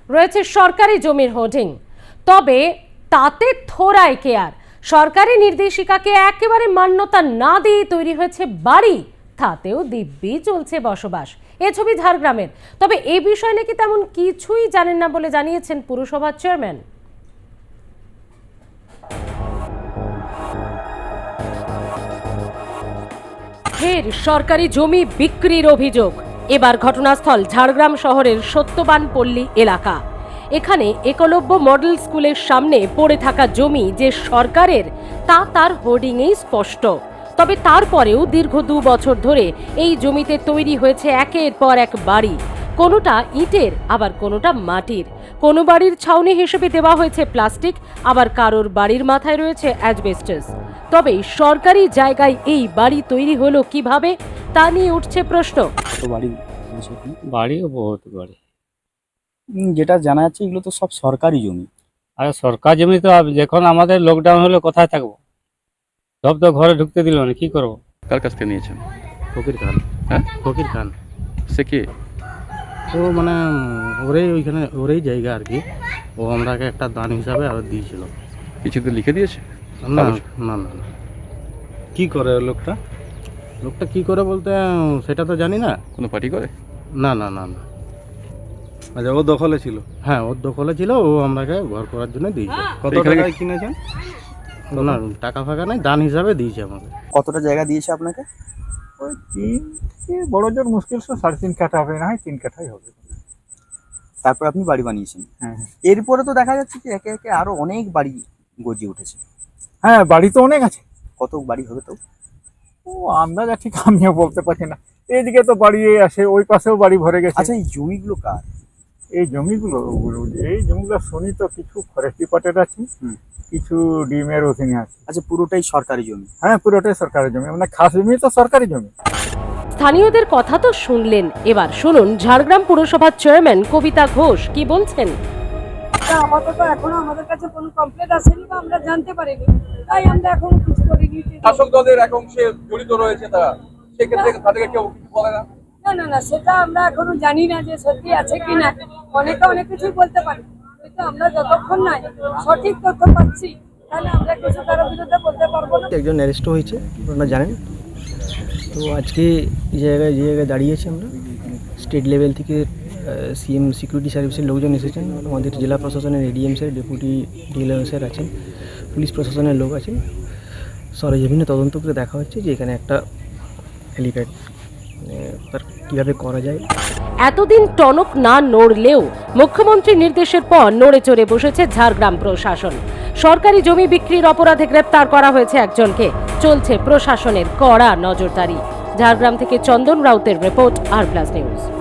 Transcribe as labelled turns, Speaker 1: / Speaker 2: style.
Speaker 1: রয়েছে সরকারি জমির হোর্ডিং, তবে তাতে থোড়াই কেয়ার। সরকারি নির্দেশিকাকে একেবারে মান্যতা না দিয়ে তৈরি হয়েছে বাড়ি, তাতেও দিব্যি চলছে বসবাস। এ ছবি ঝাড়গ্রামের। তবে এই বিষয় নাকি তেমন কিছুই জানেন না বলে জানিয়েছেন পুরসভার চেয়ারম্যান। ফের সরকারি জমি বিক্রির অভিযোগ। এবার ঘটনাস্থল ঝাড়গ্রাম শহরের সত্যবান পল্লী এলাকা। এখানে একলব্য মডেল স্কুলের সামনে পড়ে থাকা জমি যে সরকারের তা তার হোর্ডিংয়েই স্পষ্ট। তবে তারপরেও দীর্ঘ 2 বছর ধরে এই জমিতে তৈরি হয়েছে একের পর এক বাড়ি, কোনোটা ইটের আবার কোনোটা মাটির। কোনো বাড়ির ছাউনি হিসেবে দেওয়া হয়েছে প্লাস্টিক, আবার কারোর বাড়ির মাথায় রয়েছে অ্যাসবেস্টস। তবে সরকারি জায়গায় এই বাড়ি তৈরি হলো কিভাবে তা নিয়ে উঠছে প্রশ্ন।
Speaker 2: বাড়িও বহুত বাড়ি,
Speaker 3: যেটা জানা যাচ্ছে এগুলো তো সব সরকারি জমি।
Speaker 2: আর সরকার জমি তো যখন আমাদের লকডাউন হলে কোথায় থাকবো? সব তো ঘরে ঢুকতে দিল না, কি করবো?
Speaker 4: কার কাছ থেকে নিয়েছেন?
Speaker 5: ফকির খান।
Speaker 4: হ্যাঁ,
Speaker 5: ফকির খান
Speaker 4: সে কি?
Speaker 5: ও মানে ওইখানে ওরই জায়গা আর কি। ও আমরাকে একটা দান হিসাবে আর দিয়েছিল।
Speaker 4: কিছুতে লিখে দিয়েছে?
Speaker 5: না না না না।
Speaker 3: কি করে লোকটা?
Speaker 5: লোকটা কি করে বলতে সেটা তো জানি না।
Speaker 4: কোনো পার্টি করে?
Speaker 5: না না না না।
Speaker 3: আচ্ছা, ও দখলে ছিল?
Speaker 5: হ্যাঁ, ওর দখলে ছিল। ও আমরাকে ঘর করার জন্য দিয়েছে।
Speaker 3: কত
Speaker 4: এখানে
Speaker 3: টাকায় কিনেছেন?
Speaker 5: না, টাকা ফাঁকা নাই, দান হিসাবে দিয়েছে আমাকে।
Speaker 3: কতটা জায়গা দিয়েছে আপনাকে?
Speaker 6: ওই 3 বড় জোর মুশকিল 3.5 কাঠা হবে, না হয় 3 কাঠাই হবে।
Speaker 3: তারপর আপনি বাড়ি বানিয়েছেন।
Speaker 6: হ্যাঁ
Speaker 3: এরপরে তো দেখা যাচ্ছে যে একে একে আরো অনেক বাড়ি গজিয়ে উঠেছে।
Speaker 6: হ্যাঁ, বাড়ি তো অনেক আছে।
Speaker 3: কত বাড়ি হবে তো?
Speaker 6: ও আন্দাজ ঠিক আমিও বলতে পারছি না। এইদিকে তো বাড়ি আসে, ওই পাশেও বাড়ি ভরে গেছে।
Speaker 3: আচ্ছা, এই জমিগুলো কার?
Speaker 6: এই জমিগুলো শুনি তো কিছু ফরেস্ট ডিপার্টমেন্ট আছে, কিছু ডিমের ওখানে আছে।
Speaker 3: আচ্ছা, পুরোটাই সরকারি জমি?
Speaker 6: হ্যাঁ, পুরোটাই সরকারি জমি, মানে খাস জমি তো সরকারি জমি।
Speaker 1: স্থানীয়দের কথা তো শুনলেন, এবার শুনুন ঝাড়গ্রাম পুরসভার চেয়ারম্যান কবিতা ঘোষ কি বলছেন।
Speaker 7: আপাতত এখনো আমাদের কাছে কোনো কমপ্লেন আসেনি বা আমরা জানতে পারিনি, তাই আমরা এখন কিছু করিনি।
Speaker 8: শাসক দলের এক অংশে জড়িত রয়েছে তারা, সেক্ষেত্রে তাদেরকে কেউ কিছু বলে না?
Speaker 7: না না না, সেটা আমরা এখনো জানি না যে সত্যি আছে কি না। অনেকে অনেক কিছুই বলতে পারে, কিন্তু আমরা যতক্ষণ না সঠিক তথ্য পাচ্ছি তাহলে আমরা কিছু কারোর বিরুদ্ধে বলতে পারবো না।
Speaker 9: একজন অ্যারেস্ট হয়েছে, আপনারা জানেন। তো আজকে যে জায়গায় দাঁড়িয়েছি আমরা, স্টেট লেভেল থেকে সিএম সিকিউরিটি সার্ভিসের লোকজন এসেছেন, আমাদের জেলা প্রশাসনের ADM sir, deputy DLM sir আছেন, পুলিশ প্রশাসনের লোক আছেন। সরেজমিনে তদন্ত করে দেখা হচ্ছে যে এখানে একটা হেলিপ্যাড তার কীভাবে করা যায়।
Speaker 1: এতদিন টনক না নড়লেও মুখ্যমন্ত্রীর নির্দেশের পর নড়ে চড়ে বসেছে ঝাড়গ্রাম প্রশাসন। সরকারি জমি বিক্রির অপরাধে গ্রেপ্তার করা হয়েছে একজনকে। চলছে প্রশাসনের কড়া নজরদারি। ঝাড়গ্রাম থেকে চন্দন রাউতের রিপোর্ট, আর প্লাস নিউজ।